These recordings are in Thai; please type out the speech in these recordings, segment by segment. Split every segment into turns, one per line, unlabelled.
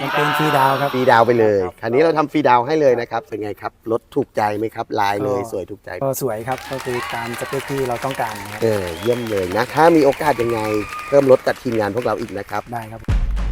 มเปญฟรีดาวครับ
ฟรีดาวไปเลยคันนี้เราทำฟรีดาวให้เลยนะครับเป็นไงครับรถถูกใจไหมครับลายเลยสวยถูกใจ
ก็สวยครับก็คือตามสเปคที่เราต้องการนะครับ
เยี่ยมเลยนะถ้ามีโอกาสยังไงเพิ่มรถกับทีมงานพวกเราอีกนะครับ
ได้ครับ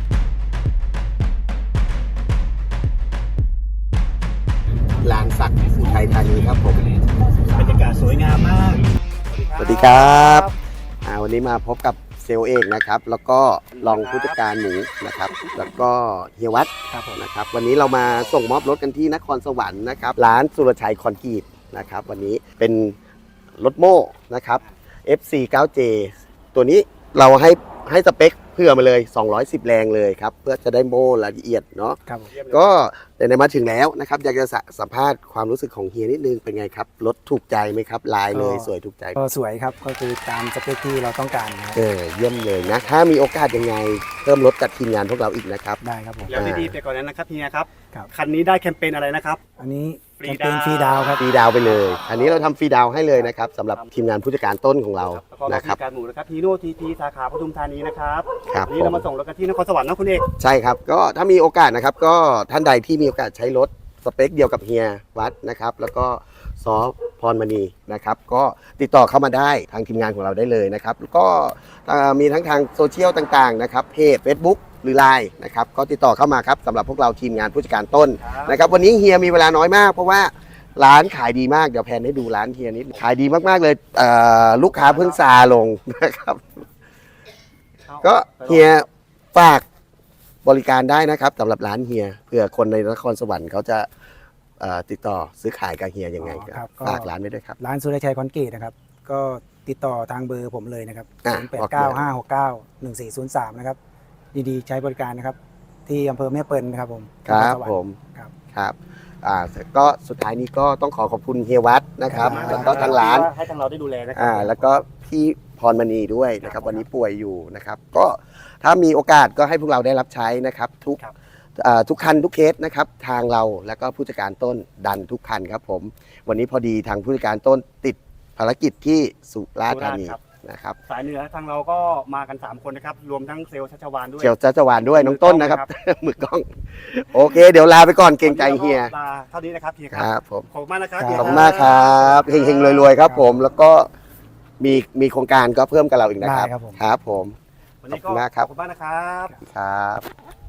ลานสักอุทัยธานีครับผม
บรรยากาศสวยงามมาก
สวัสดีครับวันนี้มาพบกับเซลเอกนะครับแล้วก็รองผู้จัดการหมูนะครับแล้วก็เฮียวัดนะครับวันนี้เรามาส่งมอบรถกันที่นครสวรรค์นะครับร้านสุรชัยคอนกรีตนะครับวันนี้เป็นรถโม่นะครับ FC9J ตัวนี้เราให้สเปคเพื่อมาเลย210แรงเลยครับเพื่อจะได้โม่ละเอียดเนาะก็ในมาถึงแล้วนะครับอยากจะสัมภาษณ์ความรู้สึกของเฮียนิดนึงเป็นไงครับรถถูกใจไหมครับลายเลยสวยถูกใจ
ก็สวยครับก็คือตามสเปคที่เราต้องการนะครับ
เยี่ยมเลยนะถ้ามีโอกาสยังไงเพิ่มรถกับทีมงานพวกเราอีกนะครับ
ได้ครับผม
แล้วดีๆไปก่อนนั้นนะครับเฮียครับคันนี้ได้แคมเปญอะไรนะครับ
อันนี้แคมเปญฟรีดาวครับ
ฟรีดาวไปเลยอันนี้เราทำฟรีดาวให้เลยนะครับสำหรับทีมงานผู้จัดการต้นของเรา
นะครับการหมูนะครับฮีโน่ทีสาขาปทุมธานีนะครับ
ครับ
นี่เรามาส่งรถกันที่นครสวรรค์นะคุณเอก
ใช่ครับก็ถ้ามีโอกาสนะครับก็ท่านใดที่มีโอกาสใช้รถสเปคเดียวกับเฮียวัดนะครับแล้วก็ซอพรมณีนะครับก็ติดต่อเข้ามาได้ทางทีมงานของเราได้เลยนะครับแล้วก็มีทั้งทางโซเชียลต่างๆนะครับเพจ Facebook หรือ Line นะครับก็ติดต่อเข้ามาครับสำหรับพวกเราทีมงานผู้จัดการต้นนะครับวันนี้เฮียมีเวลาน้อยมากเพราะว่าร้านขายดีมากเดี๋ยวแพนให้ดูร้านเฮียนิดขายดีมากๆเลยลูกค้าเพิ่งซาลงนะครับก็เฮียฝากบริการได้นะครับสำหรับร้านเฮียเผื่อคนในนครสวรรค์เขาจะติดต่อซื้อขายกับเฮียยังไงครับฝากร้านไว้ด้วยครับ
ร้านสุรชัยคอนกรีตนะครับก็ติดต่อทางเบอร์ผมเลยนะครับ0895691403นะครับดีๆใช้บริการนะครับที่อำเภอแม่เปิลนะครับผม
ครับผมครับก็สุดท้ายนี้ก็ต้องขอบคุณเฮียวัดนะครับแล้วก็ทางร้าน
ให้ทางเราได้ดูแลนะครั
แล้วก็พี่พรมณีด้วยนะครับวันนี้ป่วยอยู่นะครับก็ถ้ามีโอกาสก็ให้พวกเราได้รับใช้นะครับทุกคันทุกเคสนะครับทางเราแล้วก็ผู้จัดการต้นดันทุกคันครับผมวันนี้พอดีทางผู้จัดการต้นติดภารกิจที่สุราษฎร์ธานีนะครับ
สายเหนือทางเราก็มากัน3คนนะครับรวมทั้งเซลล์ชัชวานด้วย
เซลล์ชัชวานด้วยน้องต้นนะครับมือกล้องโอเคเดี๋ยวลาไปก่อนเกรงใจเฮีย
เท่านี้นะครับเฮีย
ครับผม
ขอบคุณมากนะครับ
ขอบคุณมากครับเฮงๆรวยๆครับผมแล้วก็มีโครงการก็เพิ่มกับเราอีกนะครับครับผม
วันนี้ก็ขอบคุณมากนะครับ
ครับ